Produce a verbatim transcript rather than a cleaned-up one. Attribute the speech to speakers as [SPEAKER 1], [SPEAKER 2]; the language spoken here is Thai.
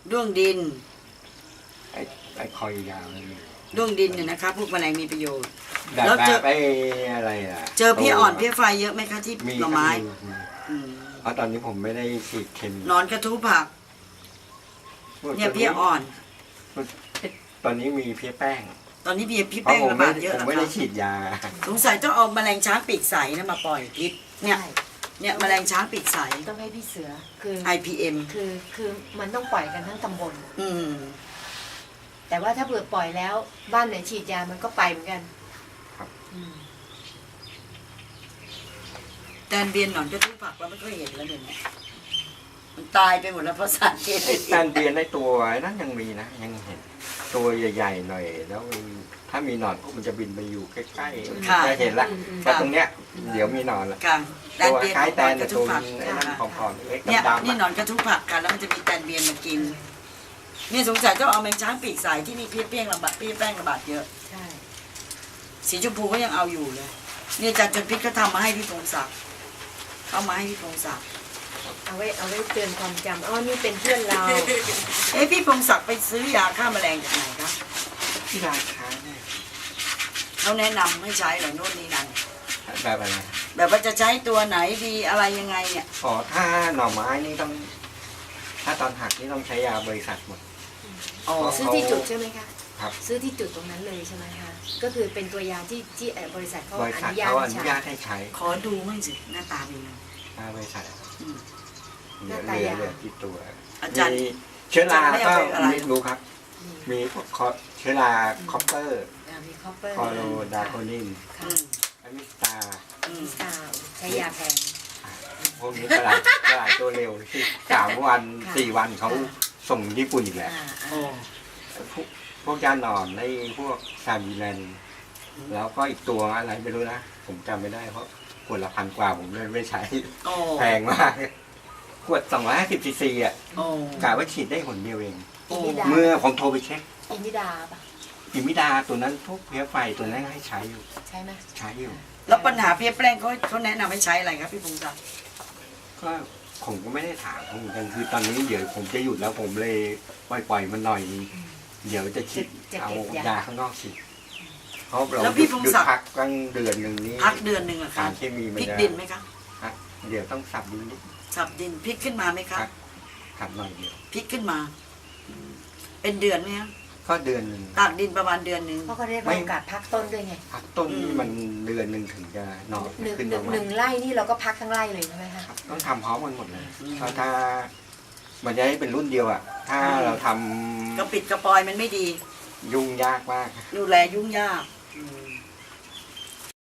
[SPEAKER 1] ด้วงดิน
[SPEAKER 2] ไอ้ไอ้คอยยาวเลย
[SPEAKER 1] ด้วงดินเนี่ยนะคะพวกแมลงมีประโยชน์
[SPEAKER 2] แล้
[SPEAKER 1] แล้ว ว
[SPEAKER 2] เจ
[SPEAKER 1] เจ
[SPEAKER 2] อ
[SPEAKER 1] อ
[SPEAKER 2] ไปอะไรอ่ะ
[SPEAKER 1] เจอเพี้ยอ่อนเพี้ยไฟเยอะไหมคะที่
[SPEAKER 2] มี
[SPEAKER 1] หน่อไม้
[SPEAKER 2] มี
[SPEAKER 1] อืม
[SPEAKER 2] เพราะตอนนี้ผมไม่ได้ฉีดเคมี
[SPEAKER 1] หนอนกระทู้ผักเนี่ยเพี้ยอ่อน
[SPEAKER 2] ตอนนี้มีเพี้ยแป้ง
[SPEAKER 1] ตอนนี้เพี้ยพี่
[SPEAKER 2] เพราะ
[SPEAKER 1] แป้ง
[SPEAKER 2] ผม
[SPEAKER 1] ระ
[SPEAKER 2] ไม่
[SPEAKER 1] บาดเยอะ
[SPEAKER 2] ผม
[SPEAKER 1] แล้ว
[SPEAKER 2] ไม่ได้
[SPEAKER 1] ค่ะ
[SPEAKER 2] ฉีดยา
[SPEAKER 1] สงสัยต้องเอาแมลงช้างปีกใสนะมาปล่อยพิษเนี่ย
[SPEAKER 3] ใช่
[SPEAKER 1] เนี่ยแมลงช้างปีกใส
[SPEAKER 3] ต้องให้พี่เสือคือ
[SPEAKER 1] ไอ พี เอ็ม
[SPEAKER 3] คือคือมันต้องปล่อยกันทั้งตำบล
[SPEAKER 1] อืม
[SPEAKER 3] แต่ว่าถ้าเผื่อปล่อยแล้วบ้านไหนฉีดยามันก็ไปเหมือนกัน
[SPEAKER 2] ครับ
[SPEAKER 3] อืม
[SPEAKER 1] แตนเบียนหนอนกระทู้ผักเราไม่ค่อยเห็นแล้วเดี๋ยวนี้มันตายไปหมดแล้วเพราะสารเค
[SPEAKER 2] ไอ้
[SPEAKER 1] มี
[SPEAKER 2] แตนเบียนในตัวนั้นยังมีนะยังเห็นตัวใหญ่ๆหน่อยแล้วมันถ้ามีหนอนพวกมันจะบินไปอยู่ใกล้ๆจะเห็นละแต่ตรงเนี้ยเดี๋ยวมีหนอนละ
[SPEAKER 1] ค่ะแตน
[SPEAKER 2] ตัว
[SPEAKER 1] เบียน
[SPEAKER 2] คล้าย
[SPEAKER 1] ห
[SPEAKER 2] แต
[SPEAKER 1] นอน
[SPEAKER 2] น
[SPEAKER 1] ก
[SPEAKER 2] แต่
[SPEAKER 1] ระ
[SPEAKER 2] ตั
[SPEAKER 1] ทู้
[SPEAKER 2] ว
[SPEAKER 1] ผัก
[SPEAKER 2] ไอ้นั่นผอมๆเล็ก
[SPEAKER 1] เนี่ย
[SPEAKER 2] ดำๆ
[SPEAKER 1] นี่หน
[SPEAKER 2] อะ
[SPEAKER 1] อนกระทุ้ผักกันแล้วมันจะมีแตนเบียนมากินเนี่ยสงสัยต้องเอาแมงช้างปีกใสที่นี่เพี้ยเปี้ยงระบาดเปี้ยแป้งระบาดเยอะ
[SPEAKER 3] ใช่
[SPEAKER 1] สีชมพูก็ยังเอาอยู่เลยเนี่ยอาจารย์จนพิษก็ทำมาให้พี่พงศักดิ์เข้ามาให้พี่พงศักดิ์
[SPEAKER 3] เอาไว้เอาไว้เตือนความจำอ๋อนี่เป็นเพื่อนเรา
[SPEAKER 1] เอ้พี่พงศักดิ์ไปซื้อยาฆ่าแมลงจากไหนครับ
[SPEAKER 2] ที่ร้านค้าเนี่ย
[SPEAKER 1] เขาแนะนำให้ใช้เหรอโน่นนี่นั่น
[SPEAKER 2] แบบอะไร
[SPEAKER 1] แบบว่าจะใช้ตัวไหนดีอะไรยังไงเนี่ย
[SPEAKER 2] อ๋อถ้าหน่อไม้นี่ต้อง ถ้าตอนหักนี่ต้องใช้ยาบริษัทหมด
[SPEAKER 1] อ๋อ
[SPEAKER 3] ซื้อที่จุดใช่ไหมคะ
[SPEAKER 2] ครับ
[SPEAKER 3] ซื้อที่จุดตรงนั้นเลยใช่ไหมคะก็คือเป็นตัวยาที่ที่เอ่อบริษัทเขา
[SPEAKER 2] บริ
[SPEAKER 3] อ
[SPEAKER 2] ษัท
[SPEAKER 3] นุญาต
[SPEAKER 2] เขาอ
[SPEAKER 3] ให้
[SPEAKER 2] นุ
[SPEAKER 3] ใช้
[SPEAKER 2] ญาตให้ใช้
[SPEAKER 1] ขอดูมั่งสิหน้าตาเป็นไง
[SPEAKER 2] หน้าบริษัท
[SPEAKER 1] อืม
[SPEAKER 2] เหลือเหลือเหลือที่ตัว
[SPEAKER 1] อาจารย์
[SPEAKER 2] มีเชื้อรา
[SPEAKER 1] อาจารย์ไม่
[SPEAKER 2] ก็
[SPEAKER 1] เอาไปอะไร
[SPEAKER 2] ไม่รู้ครับ
[SPEAKER 3] อืม
[SPEAKER 2] มีพวกคอเชื้อราคอปเปอร์
[SPEAKER 3] อ่ามีคอปเปอร์
[SPEAKER 2] คอโรดาโคนิน
[SPEAKER 1] อื
[SPEAKER 3] ค่ะ
[SPEAKER 1] ม
[SPEAKER 2] อะมิสตา
[SPEAKER 1] อืม
[SPEAKER 3] มิสตาร์ใช้ยาแพง
[SPEAKER 2] พวกนี้กระไรกระไรตัวเร็วที่สามวัน
[SPEAKER 3] ค่ะ
[SPEAKER 2] สี่วันเขาส่งญี่ปุ่นอีกแล้ว
[SPEAKER 3] อ่า
[SPEAKER 1] โอ้
[SPEAKER 2] พวกพวกยาหนอนในพวกซาบีแลนแล้วก็อีกตัวอะไรไม่รู้นะ ผมจำไม่ได้เพราะขวดละพันกว่าผมเลยไม่ใช้
[SPEAKER 1] โอ้
[SPEAKER 2] แพงมาก ขวดสองร้อยห้าสิบซีซีอ่ะ
[SPEAKER 1] โอ้
[SPEAKER 2] กะว่าฉีดได้หนเดียวเอง
[SPEAKER 3] อินิดา
[SPEAKER 2] เมื่อผมโทรไปเช็ค
[SPEAKER 3] อินิดาปะ
[SPEAKER 2] อิมิดาตัวนั้นพวกเพี้ยไฟตัวนั้นให้ใช้อยู่
[SPEAKER 3] ใช่ไหม
[SPEAKER 2] ใช้อยู่
[SPEAKER 1] แล้วปัญหาเพี้ยแป้งเขาเขาแนะนำให้ใช้อะไรครับพี่พงศักดิ์
[SPEAKER 2] ก็ผมก็ไม่ได้ถามเขาเหมือนกันคือตอนนี้เดี๋ยวผมจะหยุดแล้วผมเลยปล่อยปล่อยมันหน่อย เดี๋ยวจะฉีดเอายาข้างนอกฉีดเพราะเราหยุดหยุดพักตั้งเดือนหนึ่งนี้
[SPEAKER 1] พักเดือนหนึ่งเหรอ
[SPEAKER 2] สา
[SPEAKER 1] คะ
[SPEAKER 2] รเคมีมัน
[SPEAKER 1] พริก
[SPEAKER 2] จะ
[SPEAKER 1] ดินไหมคะ
[SPEAKER 2] ฮะเดี๋ยวต้องสับดินนิด
[SPEAKER 1] สับดินพริกขึ้นมาไหมคะ
[SPEAKER 2] ครับ สับหน่อยเดียว
[SPEAKER 1] พริกขึ้นมา เป็นเดือนไหมคะ
[SPEAKER 2] ก็เดือนหนึ่ง
[SPEAKER 1] ตากดินประมาณเดือนหนึ่ง
[SPEAKER 3] เพราะเขาได้รับโอกาสพักต้นด้วยไง
[SPEAKER 2] พักต้นนี่มันเดือนหนึ่งถึงจะนอน
[SPEAKER 3] หนึ่ง
[SPEAKER 2] ขึ้น
[SPEAKER 3] หนึ่
[SPEAKER 2] มาง ให
[SPEAKER 3] ห
[SPEAKER 2] ม่
[SPEAKER 3] นึ่งไร่นี่เราก็พักทั้งไร่เลยใช่ไหมคะ
[SPEAKER 2] ครับต้องทำพร้อมกันหมดเลยเพราะถ้า มันจะให้เป็นรุ่นเดียวอ่ะ ถ้าเราท
[SPEAKER 1] กระปิดกระปอยมันไม่ดี
[SPEAKER 2] ำยุ่งยากมาก
[SPEAKER 1] ดูแลยุ่งยากอืม